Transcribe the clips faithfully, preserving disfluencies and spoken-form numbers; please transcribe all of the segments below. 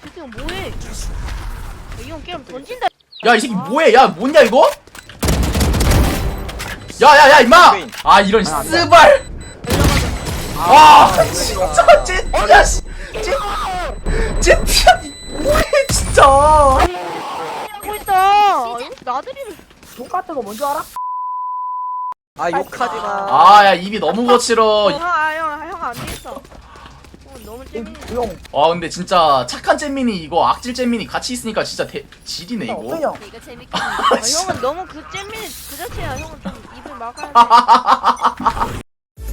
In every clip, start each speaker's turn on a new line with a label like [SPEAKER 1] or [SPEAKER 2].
[SPEAKER 1] 지금 뭐해? 이 형 게임 던진다.
[SPEAKER 2] 야 이 새끼 뭐해? 야 뭐냐 이거? 야야야 임마! 아 이런 스발! 와 진짜 찐티야 씨! 찐 찐티야 뭐해 진짜!
[SPEAKER 1] 하고 있다. 나들이를.
[SPEAKER 3] 똑같은 거 뭔지 알아?
[SPEAKER 4] 아 욕하지마.
[SPEAKER 2] 아 야 입이 너무 거칠어.
[SPEAKER 1] 형형형 안 되겠어. 형 너무 재밌네.
[SPEAKER 3] 형,
[SPEAKER 2] 와 근데 진짜 착한 잼민이 이거 악질 잼민이 같이 있으니까 진짜 대, 질이네
[SPEAKER 3] 형,
[SPEAKER 2] 이거.
[SPEAKER 3] 형.
[SPEAKER 1] 이거 재밌겠네. 아, 형은 너무 그 잼민이 그 자체야. 형은 좀 입을 막아야 돼.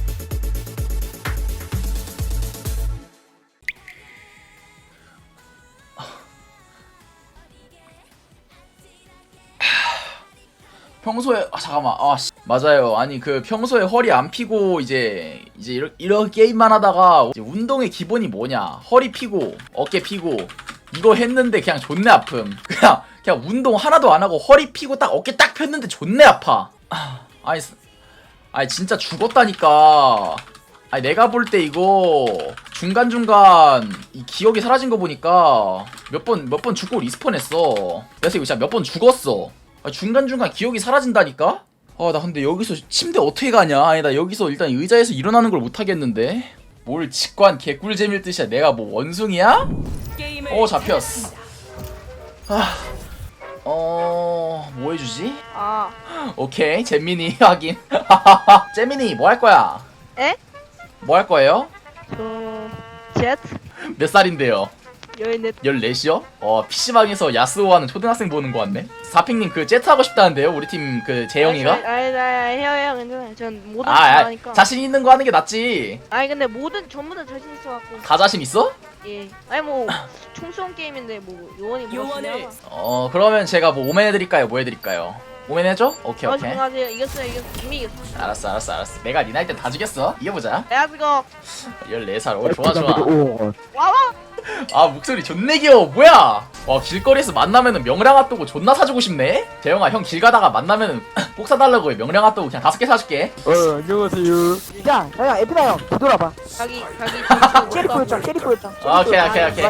[SPEAKER 2] 평소에 아 잠깐만 아 씨. 맞아요. 아니 그 평소에 허리 안 피고 이제 이제 이렇게, 이렇게 게임만 하다가 이제 운동의 기본이 뭐냐? 허리 피고 어깨 피고 이거 했는데 그냥 존내 아픔. 그냥 그냥 운동 하나도 안 하고 허리 피고 딱 어깨 딱 폈는데 존내 아파. 아, 아니 아니 진짜 죽었다니까. 아니 내가 볼 때 이거 중간중간 이 기억이 사라진 거 보니까 몇 번 몇 번 죽고 리스폰했어. 그래서 이거 진짜 몇 번 죽었어. 아, 중간중간 기억이 사라진다니까? 아 나 근데 여기서 침대 어떻게 가냐? 아니 나 여기서 일단 의자에서 일어나는 걸 못하겠는데? 뭘 직관 개꿀잼일 뜻이야. 내가 뭐 원숭이야? 어 잡혔어. 아, 어... 뭐 해주지?
[SPEAKER 1] 아,
[SPEAKER 2] 오케이 잼민이 확인. 잼민이 뭐 할 거야?
[SPEAKER 1] 에?
[SPEAKER 2] 뭐 할 거예요?
[SPEAKER 1] 저 제트
[SPEAKER 2] 몇 살인데요?
[SPEAKER 1] 열넷.
[SPEAKER 2] 열넷이요? 어 피시방에서 야스오하는 초등학생 보는 거 같네. 사핑님 그 제트 하고 싶다는데요? 우리 팀 그 재영이가?
[SPEAKER 1] 아니, 아니, 아니, 해요, 괜찮아요. 전 모든
[SPEAKER 2] 아,
[SPEAKER 1] 거
[SPEAKER 2] 아
[SPEAKER 1] 하니까.
[SPEAKER 2] 자신 있는 거 하는 게 낫지.
[SPEAKER 1] 아니 근데 모든 전부 다 자신 있어갖고.
[SPEAKER 2] 다 자신 있어?
[SPEAKER 1] 예. 아니 뭐 총수원 게임인데 뭐 요원이 뭐가 중요하나?
[SPEAKER 2] 어 그러면 제가 뭐 오멘 해드릴까요? 뭐 해드릴까요? 오멘 해줘? 오케이
[SPEAKER 1] 어,
[SPEAKER 2] 오케이.
[SPEAKER 1] 집중하세요. 이겼어요, 이겼어. 이미 이겼어.
[SPEAKER 2] 알았어 알았어 알았어. 내가 니 나이 때 다 죽였어. 이겨보자.
[SPEAKER 1] Let's go.
[SPEAKER 2] 열네 살. 오 좋아 좋아.
[SPEAKER 1] 와와.
[SPEAKER 2] 아 목소리 존내 귀여워. 뭐야? 와 길거리에서 만나면은 명량 핫도그 존나 사주고 싶네. 재영아 형 길 가다가 만나면은 꼭 사달라고 해. 명량 핫도그 그냥 다섯 개 사줄게.
[SPEAKER 4] 어 안녕하세요.
[SPEAKER 3] 야, 야, 야, 에피다 형, 뒤돌아봐.
[SPEAKER 1] 자기 자기
[SPEAKER 3] 캐리포였잖아, 캐리포였잖아.
[SPEAKER 2] 오케이, 오케이, 오케이.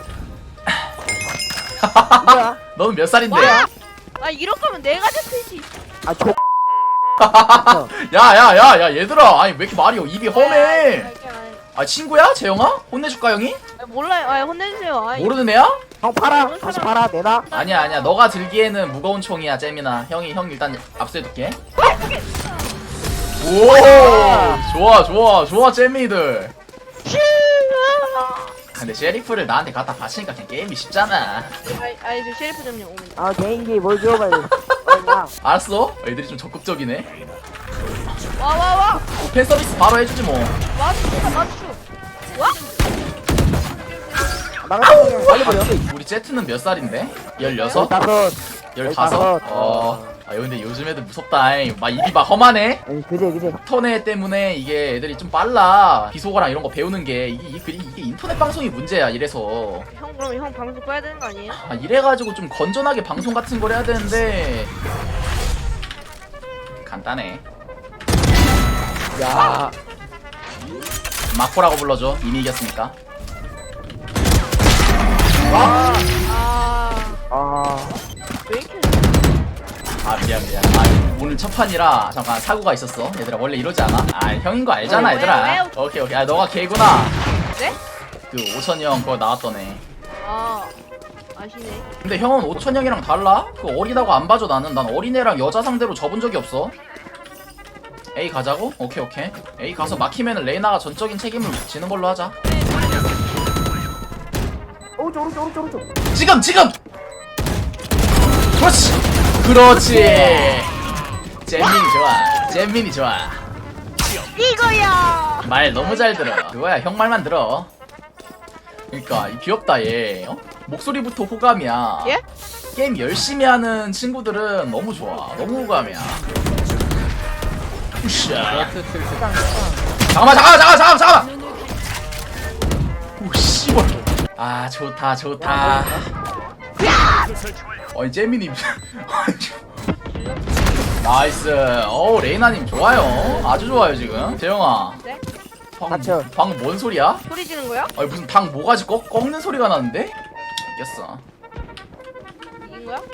[SPEAKER 3] 이거야?
[SPEAKER 2] 너는 몇 살인데?
[SPEAKER 1] 와! 아 이럴 거면 내가 제트지.
[SPEAKER 3] 아, 저.
[SPEAKER 2] 야야야야 얘들아. 아니 왜 이렇게 말이 입이 험해? 아 친구야? 재영아? 혼내줄까 형이?
[SPEAKER 1] 아, 몰라요. 아 혼내주세요. 아,
[SPEAKER 2] 모르는 애야?
[SPEAKER 3] 형 팔아, 다시 팔아, 내놔.
[SPEAKER 2] 아니야 아니야 너가 들기에는 무거운 총이야 잼이나. 형이 형 일단 압수해둘게. 오 좋아 좋아 좋아 잼이들. 근데 셰리프를 나한테 갖다 바치니까 그냥 게임이 쉽잖아.
[SPEAKER 1] 아니, 아니 저 셰리프 좀요 오면.
[SPEAKER 3] 아, 개인기 뭘 줘, 빨리. 어, 야.
[SPEAKER 2] 알았어? 애들이 좀 적극적이네.
[SPEAKER 1] 와와 와.
[SPEAKER 2] 어, 팬 서비스 바로 해주지 뭐.
[SPEAKER 1] 맞추다 맞추. 와?
[SPEAKER 3] 나가서 빨리 버려.
[SPEAKER 2] 우리 제트는 몇 살인데? 열여섯?
[SPEAKER 3] 다섯.
[SPEAKER 2] 열다섯?
[SPEAKER 3] 열다섯.
[SPEAKER 2] 어. 아 근데 요즘 애들 무섭다. 잉. 막 입이 막 험하네.
[SPEAKER 3] 아니, 그제, 그제.
[SPEAKER 2] 인터넷 때문에 이게 애들이 좀 빨라. 비속어랑 이런 거 배우는 게 이게, 이게, 이게 인터넷 방송이 문제야. 이래서
[SPEAKER 1] 형 그럼 형 방송 꺼야 되는 거 아니에요?
[SPEAKER 2] 아, 이래가지고 좀 건전하게 방송 같은 걸 해야 되는데 간단해.
[SPEAKER 4] 야.
[SPEAKER 2] 마코라고 불러줘. 이미 이겼으니까.
[SPEAKER 1] 아.
[SPEAKER 3] 아.
[SPEAKER 1] 왜 이렇게?
[SPEAKER 2] 아 미안 미안. 아 오늘 첫 판이라 잠깐 사고가 있었어. 얘들아 원래 이러지 않아? 아 형인 거 알잖아
[SPEAKER 1] 왜,
[SPEAKER 2] 얘들아.
[SPEAKER 1] 왜?
[SPEAKER 2] 오케이 오케이. 아 너가 걔구나.
[SPEAKER 1] 네?
[SPEAKER 2] 그 오천이 형 그거 나왔던 애.
[SPEAKER 1] 아 아시네.
[SPEAKER 2] 근데 형은 오천 형이랑 달라? 그 어리다고 안 봐줘 나는. 난 어린애랑 여자 상대로 접은 적이 없어. A 가자고? 오케이 오케이. A 가서 막히면은 레이나가 전적인 책임을 지는 걸로 하자.
[SPEAKER 3] 오른쪽, 오른쪽, 오른쪽, 오른쪽.
[SPEAKER 2] 지금 지금. 그렇지. 그렇지. 잼민이 좋아. 잼민이 좋아.
[SPEAKER 1] 이거야.
[SPEAKER 2] 말 너무 잘 들어. 그거야 형 말만 들어. 그러니까 이 귀엽다 얘. 어? 목소리부터 호감이야.
[SPEAKER 1] 예?
[SPEAKER 2] 게임 열심히 하는 친구들은 너무 좋아. 너무 호감이야. 우샤. 잠깐만 잠깐만 잠깐만 잠깐만 잠깐만. 오 씨발. 아 좋다 좋다. 어이 잼민이. 나이스. 어 레이나님 좋아요. 아주 좋아요 지금. 재영아.
[SPEAKER 1] 네?
[SPEAKER 2] 방,
[SPEAKER 3] 맞죠.
[SPEAKER 2] 방뭔 소리야?
[SPEAKER 1] 소리 지는 거야?
[SPEAKER 2] 아니 무슨 방 모가지 꺾, 꺾는 소리가 나는데? 이겼어.
[SPEAKER 1] 이긴 거야?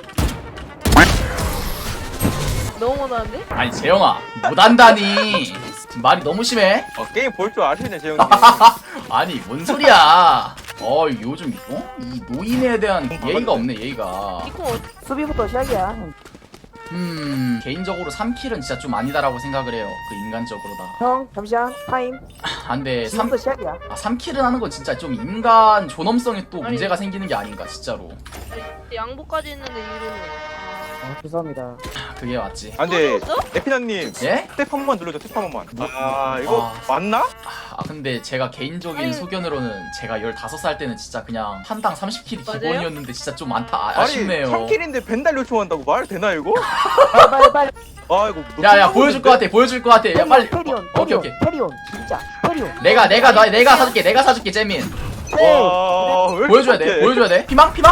[SPEAKER 1] 너무 못하는데?
[SPEAKER 2] 아니 재영아 못한다니 말이 너무 심해.
[SPEAKER 4] 어, 게임 볼 줄 아시네 재영님.
[SPEAKER 2] 아니 뭔 소리야. 어 요즘 어? 이 노인에 대한 예의가 없네 예의가.
[SPEAKER 1] 니코 어,
[SPEAKER 3] 수비부터 시작이야.
[SPEAKER 2] 음 개인적으로 삼 킬은 진짜 좀 아니다라고 생각을 해요. 그 인간적으로다.
[SPEAKER 3] 형 잠시만 타임.
[SPEAKER 2] 아 근데 삼,
[SPEAKER 3] 지금부터 시작이야.
[SPEAKER 2] 아, 삼 킬은 하는 건 진짜 좀 인간 존엄성에 또
[SPEAKER 1] 아니.
[SPEAKER 2] 문제가 생기는 게 아닌가 진짜로.
[SPEAKER 1] 양보까지 했는데 이러네.
[SPEAKER 3] 어, 죄송합니다.
[SPEAKER 2] 그게 맞지.
[SPEAKER 4] 아 근데
[SPEAKER 1] 또 줬어?
[SPEAKER 4] 에피나님
[SPEAKER 2] 예?
[SPEAKER 4] 스텝 한 번만 눌러줘. 스텝 한 번만. 아 이거
[SPEAKER 2] 아.
[SPEAKER 4] 맞나?
[SPEAKER 2] 아 근데 제가 개인적인
[SPEAKER 1] 아니.
[SPEAKER 2] 소견으로는 제가 열다섯 살 때는 진짜 그냥 판당 삼십 킬이
[SPEAKER 1] 맞아요?
[SPEAKER 2] 기본이었는데 진짜 좀 많다 아,
[SPEAKER 4] 아니
[SPEAKER 2] 아쉽네요.
[SPEAKER 4] 삼 킬인데 벤달 요청한다고 말 되나 이거?
[SPEAKER 3] 빨리 빨리 빨리.
[SPEAKER 4] 아 이거 뭐
[SPEAKER 2] 야야
[SPEAKER 4] 좀
[SPEAKER 2] 보여줄 것 같아 보여줄 것 같아. 야 빨리.
[SPEAKER 3] 캐리온
[SPEAKER 2] 어, 오케이
[SPEAKER 3] 캐리온
[SPEAKER 2] 오케이.
[SPEAKER 3] 캐리온 진짜 캐리온.
[SPEAKER 2] 내가 내가 너 내가 사줄게 내가 사줄게 재민.
[SPEAKER 3] 네.
[SPEAKER 4] 와, 왜 이렇게
[SPEAKER 2] 보여줘야 돼
[SPEAKER 4] 못해?
[SPEAKER 2] 보여줘야 돼. 피망 피망.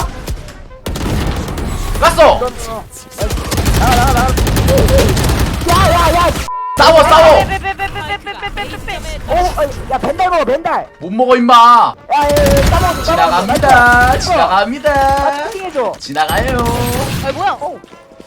[SPEAKER 2] 갔어.
[SPEAKER 3] 나가 나가 나가. 야야야.
[SPEAKER 2] 싸워 싸워.
[SPEAKER 1] 빼빼빼빼빼빼빼빼빼.
[SPEAKER 3] 오, 어이, 야 벤달 먹어 벤달.
[SPEAKER 2] 못 먹어 임마.
[SPEAKER 3] 야야야 따먹어.
[SPEAKER 2] 지나갑니다 지나갑니다.
[SPEAKER 3] 해줘.
[SPEAKER 2] 지나가요.
[SPEAKER 1] 아 뭐야?
[SPEAKER 3] 오.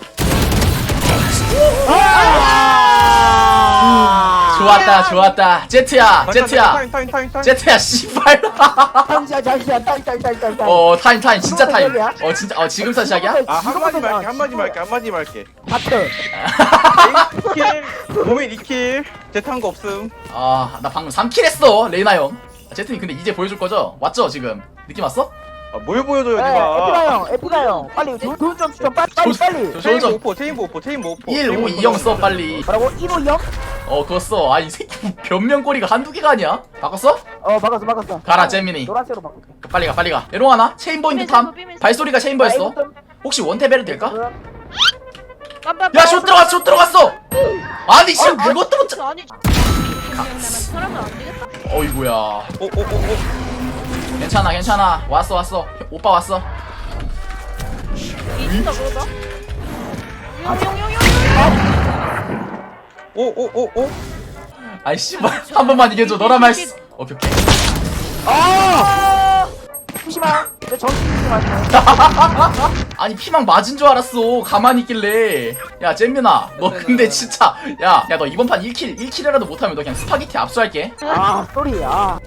[SPEAKER 2] 좋았다 좋았다. 제트야 제트야
[SPEAKER 4] 타임 타임 타임 타임.
[SPEAKER 2] 제트야 씨발.
[SPEAKER 3] 잠시만 잠시만 타임 타임 타임 타임.
[SPEAKER 2] 어 타임 타임 진짜 타임.
[SPEAKER 3] 시작이야?
[SPEAKER 2] 어 진짜 어 지금부터 시작이야?
[SPEAKER 4] 아 한마디 말게 한마디 말게 한마디 말게.
[SPEAKER 3] 하트.
[SPEAKER 4] 이 킬 고민 이 킬 제트한 거 없음.
[SPEAKER 2] 아 나 방금 삼 킬 했어 레이나 형. 아, 제트님 근데 이제 보여줄 거죠? 왔죠 지금? 느낌 왔어?
[SPEAKER 4] 아뭘 보여줘요
[SPEAKER 3] 에
[SPEAKER 4] 니가.
[SPEAKER 3] 에피가 형 에피가 형 빨리 돈좀 추천 빨리 빨리 빨리.
[SPEAKER 2] 저-
[SPEAKER 4] 체인보
[SPEAKER 2] 저-
[SPEAKER 4] 오퍼 체인보 오퍼 체인보 오퍼.
[SPEAKER 2] 일 오 이 영 써 빨리.
[SPEAKER 3] 뭐라고 일오 형?
[SPEAKER 2] 어 그거 써. 아이 새끼 변명거리가 한두 개가 아니야. 바꿨어?
[SPEAKER 3] 어 바꿨어 바꿨어.
[SPEAKER 2] 가라 재민이.
[SPEAKER 3] 노란색으로 바꿀게.
[SPEAKER 2] 빨리 가 빨리 가. 에롱 하나? 체인보인트 탐. 발소리가 체인보였어. 혹시 원탭에도 될까? 야 슛 들어갔어 슛 들어갔어. 아니 씨 그것도 못 차.
[SPEAKER 1] 아니 사람은 안 되겠다.
[SPEAKER 2] 어이구야.
[SPEAKER 4] 오오오오.
[SPEAKER 2] 괜찮아 괜찮아. 왔어 왔어. 오빠 왔어.
[SPEAKER 1] 이긴다 그러다. 용용용용.
[SPEAKER 4] 오오오오.
[SPEAKER 2] 아이 씨발 한 번만 이겨줘. 너라면 할 수. 오케이 오케이.
[SPEAKER 3] 아! 잠시만. 내 정신 좀 할게.
[SPEAKER 2] 아니 피망 맞은 줄 알았어. 가만히 있길래. 야 잼민아 너 근데 진짜 야 야 너 이번 판 일 킬 일 킬이라도 못하면 너 그냥 스파게티 압수할게.
[SPEAKER 3] 아, 쏘리. 아.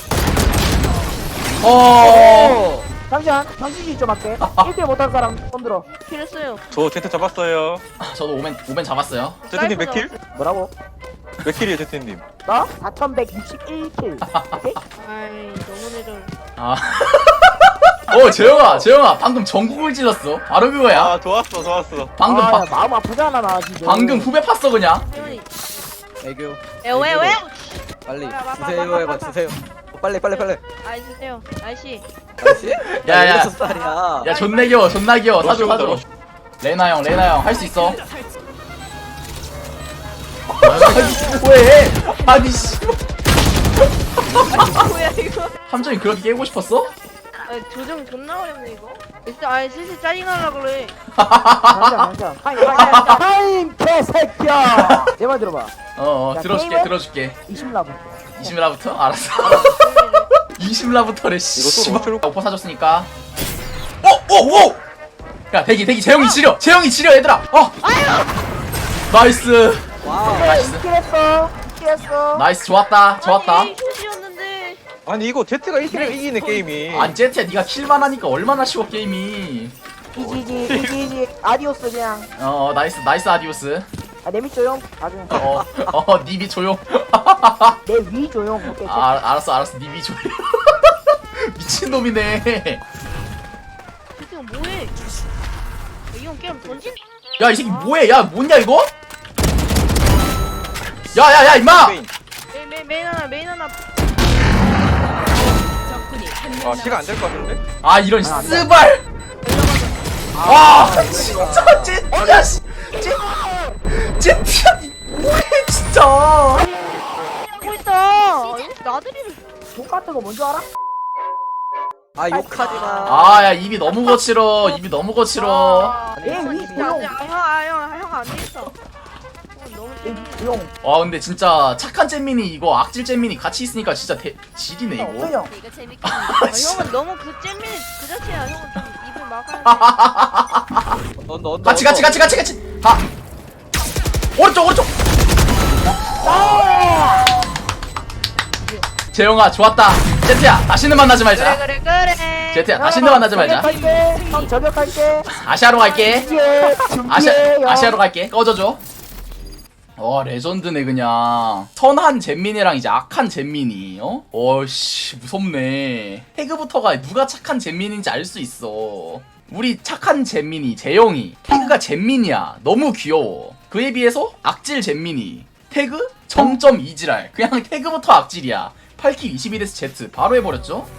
[SPEAKER 2] 어.
[SPEAKER 3] 잠시만. 정신이 좀 할게. 일 대 못한 사람 손 들어.
[SPEAKER 1] 킬했어요.
[SPEAKER 4] 저 제트 잡았어요.
[SPEAKER 2] 저도 오멘 오멘 잡았어요.
[SPEAKER 4] 제트님 몇 킬?
[SPEAKER 3] 뭐라고?
[SPEAKER 4] 몇 킬이에요 제트님?
[SPEAKER 3] 나 사천백육십일 킬. 오케이?
[SPEAKER 1] 아이 너무 내려.
[SPEAKER 2] 아. 어 재영아 재영아 방금 전국을 찔렀어. 바로 그거야.
[SPEAKER 4] 아 좋았어 좋았어.
[SPEAKER 2] 방금
[SPEAKER 3] 아,
[SPEAKER 2] 바,
[SPEAKER 3] 야, 마음 아프잖아 나 지금.
[SPEAKER 2] 방금 후배 팠어 그냥.
[SPEAKER 1] 태훈이.
[SPEAKER 5] 애교
[SPEAKER 1] 에웨웨.
[SPEAKER 5] 빨리
[SPEAKER 1] 빨리 와봐,
[SPEAKER 5] 주세요
[SPEAKER 1] 와봐,
[SPEAKER 5] 해봐
[SPEAKER 1] 와봐.
[SPEAKER 5] 주세요 빨리 빨리 빨리
[SPEAKER 1] 아이 주세요. 아이씨.
[SPEAKER 5] 아저씨?
[SPEAKER 2] 야, 야.
[SPEAKER 5] 여섯 살이야
[SPEAKER 2] 야 존나 귀여워 존나 귀여워. 사줘
[SPEAKER 4] 러쉬 온다,
[SPEAKER 2] 사줘.
[SPEAKER 4] 러쉬.
[SPEAKER 2] 레나 형 레나 형 할 수 있어. 아니 왜? 아니 씨.
[SPEAKER 1] 뭐야 이거?
[SPEAKER 2] 함정이 그렇게 깨고 싶었어?
[SPEAKER 1] 아 조정 존나 어렵네 이거. 일단 아이 슬슬 짜증나려 그래.
[SPEAKER 3] 잠시만 잠시만. 타임 타임 타임 개새끼야. 내 말 들어봐.
[SPEAKER 2] 어어
[SPEAKER 3] 야,
[SPEAKER 2] 들어줄게
[SPEAKER 3] 게임은?
[SPEAKER 2] 들어줄게.
[SPEAKER 3] 이십 라부.
[SPEAKER 2] 이십 라부터? 알았어. 이십 라부터래 씨.
[SPEAKER 4] 이거 또 로스로-
[SPEAKER 2] 오퍼 사줬으니까. 오! 오! 오! 야 대기 대기 재영이 지려 재영이 지려 얘들아. 어! 나이스
[SPEAKER 5] 와우
[SPEAKER 2] 나이스
[SPEAKER 3] 이킬 했어. 이킬 했어.
[SPEAKER 2] 나이스 좋았다 좋았다.
[SPEAKER 1] 아니 효시였는데.
[SPEAKER 4] 아니 이거 제트가 일 킬을 이기네 게임이.
[SPEAKER 2] 아니 제트야 니가 킬만 하니까 얼마나 쉬워 게임이.
[SPEAKER 3] 이지지 이지지 아디오스 그냥.
[SPEAKER 2] 어 나이스 나이스 아디오스.
[SPEAKER 3] 아, 내밑 조용. 나중에.
[SPEAKER 2] 어어 니비 조용.
[SPEAKER 3] 내 위 조용. 오케이.
[SPEAKER 2] 아 알- 알았어 알았어 니비 조용. 미친놈이네.
[SPEAKER 1] 이 새끼 뭐해? 이형 게임 던지?
[SPEAKER 2] 야 이 새끼 뭐해 야 뭐냐 이거? 야야야 임마.
[SPEAKER 4] 메인.
[SPEAKER 1] 메인 메인 메인 하나 메인 하나.
[SPEAKER 4] 아 시간 안 될 것 같은데?
[SPEAKER 2] 아 이런
[SPEAKER 3] 아, 안 돼.
[SPEAKER 2] 쓰발. 와 진짜 쟤야 씨. 쟤 쟤야 뭐해 진짜.
[SPEAKER 1] 하고 있다. 이거 나들이를.
[SPEAKER 3] 똑같은 거 뭔지 알아?
[SPEAKER 5] 아 욕하지마
[SPEAKER 2] 아 야 입이 너무 거칠어 입이 너무 거칠어.
[SPEAKER 1] 아,
[SPEAKER 3] 내 위
[SPEAKER 1] 진짜
[SPEAKER 3] 조용.
[SPEAKER 1] 안 돼. 아, 형, 아, 형, 형, 안 되겠어. 너무 잼민.
[SPEAKER 3] 용.
[SPEAKER 2] 와 근데 진짜 착한 잼민이 이거 악질 잼민이 같이 있으니까 진짜 대, 질이네 이거.
[SPEAKER 3] 형.
[SPEAKER 1] 이거 재밌게. 아, 형은 너무 그 잼민 그 자체야. 형은 좀 입을 막아야 돼.
[SPEAKER 5] 언더 언더
[SPEAKER 2] 같이 같이 같이 같이 같이. 가. 오른쪽 오른쪽. 재영아 좋았다. 제트야 다시는 만나지 말자.
[SPEAKER 1] 그래 그래 그래.
[SPEAKER 2] 제트야 다시는 만나지 말자.
[SPEAKER 3] 저격할게. 형 저격할게.
[SPEAKER 2] 아시아로 갈게.
[SPEAKER 3] 준비해.
[SPEAKER 2] 아시아
[SPEAKER 3] 준비해.
[SPEAKER 2] 아시아로 갈게. 꺼져줘. 와 레전드네 그냥. 선한 잼민이랑 이제 악한 잼민이. 어? 어씨 무섭네. 태그부터가 누가 착한 잼민인지 알 수 있어. 우리 착한 잼민이 재영이. 태그가 잼민이야. 너무 귀여워. 그에 비해서 악질 잼민이. 태그 점점 이지랄. 그냥 태그부터 악질이야. 팔 킬 이십일 에스 제트 바로 해버렸죠?